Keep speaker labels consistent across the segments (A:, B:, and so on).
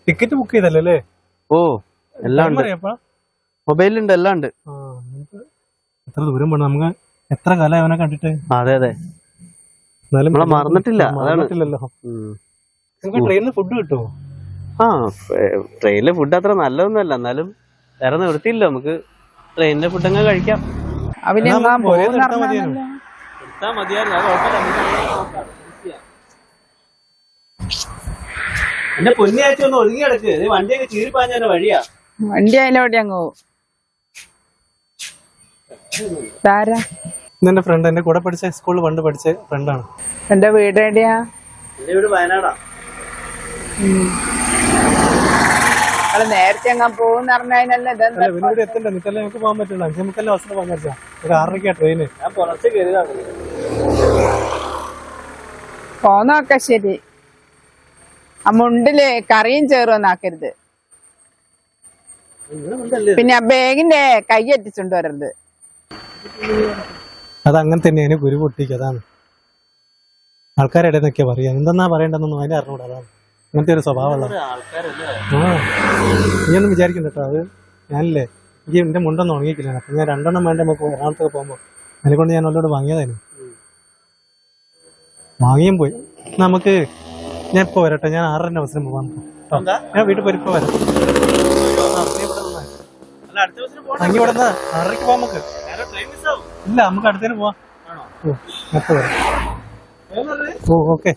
A: Ticket book ചെയ്തല്ലേ?
B: ഓ എല്ലാം ഉണ്ട്, മൊബൈലുണ്ട്, എല്ലാം ഉണ്ട്.
A: എത്ര ദൂരം പോണം നമുക്ക്? എത്ര കാലം അവനെ കണ്ടിട്ട്.
B: അതെ അതെ, നമ്മളെ മറന്നിട്ടില്ല.
A: മറന്നിട്ടില്ലല്ലോ. ട്രെയിനിൽ ഫുഡ് കിട്ടുമോ?
B: ആ, ട്രെയിനിലെ ഫുഡ് അത്ര നല്ലതൊന്നുമല്ല, എന്നാലും വേറെ നിവൃത്തിയില്ല, നമുക്ക് ട്രെയിനിലെ ഫുഡ് അങ്ങ് കഴിക്കാം. എന്റെ പൊന്നിയാഴ്ച ഒന്ന് ഒതുങ്ങി കിടക്ക്, വണ്ടിയൊക്കെ ചീറിപ്പാഞ്ഞ വഴിയാ.
C: വണ്ടി അതിലോടെ അങ്ങ് പോവും.
A: എന്റെ ഫ്രണ്ട്, എന്റെ കൂടെ പഠിച്ച സ്കൂളിൽ പണ്ട് പഠിച്ച ഫ്രണ്ടാണ്.
C: എന്റെ വീട് എവിടെയാ?
B: എന്റെ വീട് വയനാടാ.
C: നേരത്തെ അങ്ങ് പോകുന്ന പറഞ്ഞതിനല്ലേ
A: എത്തണ്ട, നിക്കല്ലേ നമുക്ക് പോകാൻ പറ്റില്ല. 5:30 അവസരം പോകാൻ പറ്റില്ല. ഒരു 6:30 ട്രെയിന്.
B: ഞാൻ പുറത്ത് കയറിയതാണ്.
C: പോന്നൊക്കെ ശരി, ആ മുണ്ടില് കറിയും ചേറുവന്നാക്കരുത്. പിന്നെ ആ ബാഗിന്റെ കൈ എത്തിച്ചുകൊണ്ട് വരരുത്.
A: അതങ്ങനെ തന്നെയാണ്, കുരു പൊട്ടിക്ക്. അതാണ് ആൾക്കാരുടെ ഇടയ്ക്കൊക്കെ പറയാ. എന്തെന്നാ പറയണ്ടെന്നൊന്നും അതിനെ അറിഞ്ഞൂടാ. അതാണ് അങ്ങനത്തെ ഒരു സ്വഭാവമുള്ള. നീ ഒന്നും വിചാരിക്കണ്ട കേട്ടോ. അത് ഞാനില്ലേ, എനിക്ക് എന്റെ മുണ്ടൊന്നും ഉണങ്ങിക്കില്ല. അപ്പൊ ഞാൻ 2 വേണ്ട നമുക്ക് എറണാകുളത്തൊക്കെ പോകുമ്പോ അതിനെക്കൊണ്ട് ഞാൻ അവളോട് വാങ്ങിയതായിരുന്നു. വാങ്ങിയും പോയി. നമുക്ക് ഞാൻ ഇപ്പൊ വരട്ടെ, ഞാൻ 6:30 അവസരം പോവാൻ. ഞാൻ വീട്ടിൽ പോയി ഇപ്പൊ വരാം. അങ്ങി ഇവിടെ 6:30 പോവാം നമുക്ക്. ഇല്ല, നമുക്ക് അടുത്തേന് പോവാം. എപ്പോ വരാം? ഓ ഓക്കെ.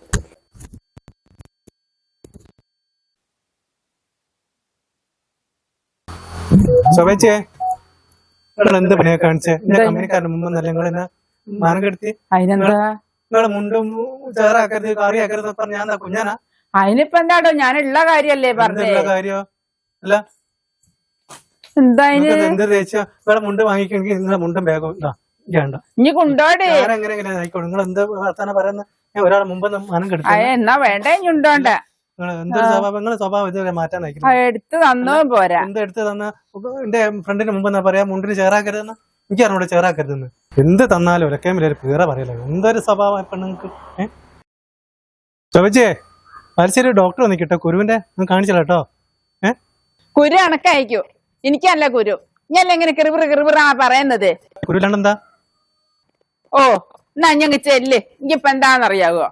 A: ശോഭേച്ചിയെ, നിങ്ങൾ എന്ത് പണിയാ കാണിച്ചേ? കമ്പനിക്കാരന് മുമ്പ് നല്ല നിങ്ങൾ എന്നെ മാനം കെടുത്തി.
C: അതിനെന്താ?
A: നിങ്ങളെ മുണ്ടും ചേറാക്കരുത്, കറിയാക്കരുത് പറഞ്ഞ ഞാൻ കുഞ്ഞാനാ?
C: അതിനിപ്പോ എന്താടോ, ഞാനുള്ള കാര്യല്ലേ പറഞ്ഞ
A: കാര്യോ? അല്ല
C: എന്താ
A: എന്ത് തേച്ചാ നിങ്ങളെ മുണ്ട് വാങ്ങിക്കണമെങ്കിൽ നിങ്ങളെ മുണ്ടും ബാഗും വേണ്ട.
C: ഇനി കൊണ്ടോടെ
A: ഞാനെങ്ങനെ ആയിക്കോട്ടെ. നിങ്ങൾ എന്ത് വർത്താനം പറയുന്ന? ഒരാളെ മുമ്പ് മാനം കെടുത്തി.
C: എന്നാ വേണ്ട, ഇനി ഉണ്ടോണ്ട.
A: എന്തൊരു സ്വഭാവം, നിങ്ങളെ സ്വഭാവം ഇതുവരെ മാറ്റാൻ
C: എടുത്ത് തന്നോ പോരാ.
A: എന്ത് എടുത്ത് തന്ന? എന്റെ ഫ്രണ്ടിന് മുമ്പ് എന്നാ പറയാ മുണ്ടിന് ചേറാക്കരുതെന്ന്? എനിക്ക് അറിഞ്ഞൂടെ ചേറാക്കരുതെന്ന്. എന്ത് തന്നാലും ഒരൊക്കെ ഒരു പേറ പറയല്ലോ. എന്തൊരു സ്വഭാവം ഇപ്പൊ നിങ്ങൾക്ക്. ചോദിച്ചേ, മരിച്ചൊരു ഡോക്ടർ വന്നിട്ടോ കുരുവിന്റെ കാണിച്ചല്ലോ കേട്ടോ.
C: കുരു അണക്കയക്കൂ, എനിക്കല്ല കുരു. ഞാൻ എങ്ങനെ കിറിബിറ പറയുന്നത്?
A: കുരുവിലാണ്ടെന്താ?
C: ഓ എന്നാ ഞങ്ങ ചെല്ല്, എനിക്കിപ്പ എന്താന്നറിയാവോ?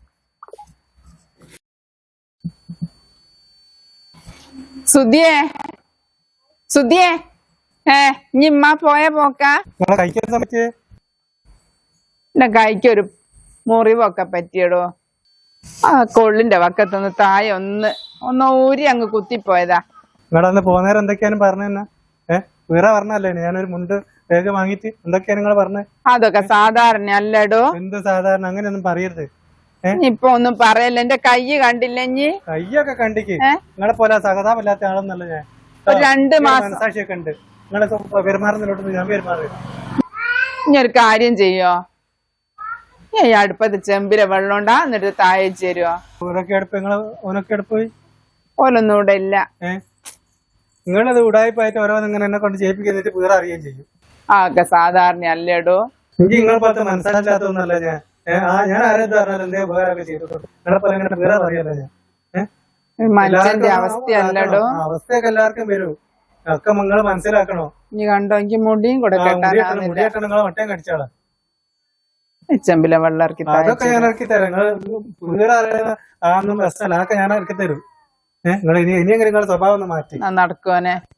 C: സുധിയേ, സുധിയേ, ഇമ്മ പോയ പോക്കാ?
A: കഴിക്കാൻ സമയത്ത്
C: എന്റെ കൈക്കൊരു മുറിവൊക്കെ പറ്റിയടോ. ആ കൊള്ളിന്റെ വക്കത്തൊന്ന് താഴെ ഒന്ന് ഊരി അങ്ങ് കുത്തിപ്പോയതാ.
A: നിങ്ങളന്ന് പോകുന്നേരം എന്തൊക്കെയാണ് പറഞ്ഞ? വേറെ പറഞ്ഞല്ലേ ഞാനൊരു മുണ്ട് വേഗം വാങ്ങിട്ട് എന്തൊക്കെയാണ് നിങ്ങൾ പറഞ്ഞത്?
C: അതൊക്കെ സാധാരണ അല്ലടോ.
A: എന്ത് സാധാരണ? അങ്ങനെയൊന്നും പറയരുത്.
C: ഇപ്പൊ ഒന്നും പറയല്ല, എന്റെ കൈ കണ്ടില്ല.
A: കയ്യൊക്കെ കണ്ടിക്ക്. നിങ്ങളെ പോലെ സഹതാപമില്ലാത്ത ആളൊന്നല്ല ഞാൻ.
C: 2 മാസം
A: മനസാക്ഷിയൊക്കെ ഉണ്ട്. നിങ്ങളെ പെരുമാറുന്നതിലോട്ട് ഞാൻ പെരുമാറി.
C: ഇനി ഒരു കാര്യം ചെയ്യോ, ഈ അടുപ്പത്ത് ചെമ്പിലെ വെള്ളം ഉണ്ടാ, എന്നിട്ട് താഴെ ചേരുവോ?
A: ഓനൊക്കെ അടുപ്പ് നിങ്ങള് ഓനൊക്കെ അടുപ്പ് പോയി
C: ഓലൊന്നും ഇവിടെ ഇല്ല.
A: നിങ്ങളത് ഉടായ്പായിട്ട് ഓരോന്ന് ഇങ്ങനെ എന്നെ കൊണ്ട് ചെയ്യിപ്പിക്കുന്നിട്ട് വേറെ അറിയുകയും ചെയ്യും.
C: ഒക്കെ സാധാരണ അല്ലേടോ.
A: എനിക്ക് നിങ്ങളെ പോലത്തെ മനസ്സിലാക്കാത്തൊന്നല്ല ഞാൻ. ഞാൻ ആരെന്ത് പറഞ്ഞാലും എന്തേ ഉപകാരമൊക്കെ ചെയ്തിട്ടുണ്ട്. നിങ്ങളെ പോലെ ഇങ്ങനെ വേറെ അറിയാലോ ഞാൻ.
C: മനുഷ്യന്റെ അവസ്ഥയല്ലടോ.
A: അവസ്ഥയൊക്കെ എല്ലാവർക്കും വരൂ. ഒക്കെ നിങ്ങൾ മനസ്സിലാക്കണോ?
C: ഇനി കണ്ടോ, എനിക്ക് മുടിയും കൂടെ
A: മുടിയായിട്ട് നിങ്ങളെ വട്ടം കടിച്ചാളാ.
C: ചെമ്പിലെ വെള്ളം ഇറക്കി
A: അതൊക്കെ ഞാൻ ഇറക്കി തരാം. നിങ്ങൾ വേറെ അറിയാതെ അതൊന്നും പ്രശ്നമല്ല. അതൊക്കെ ഞാൻ ഇറക്കി തരും. നിങ്ങൾ ഇനി എങ്ങനെ നിങ്ങളുടെ സ്വഭാവം ഒന്ന് മാറ്റി
C: നടക്കുവനെ.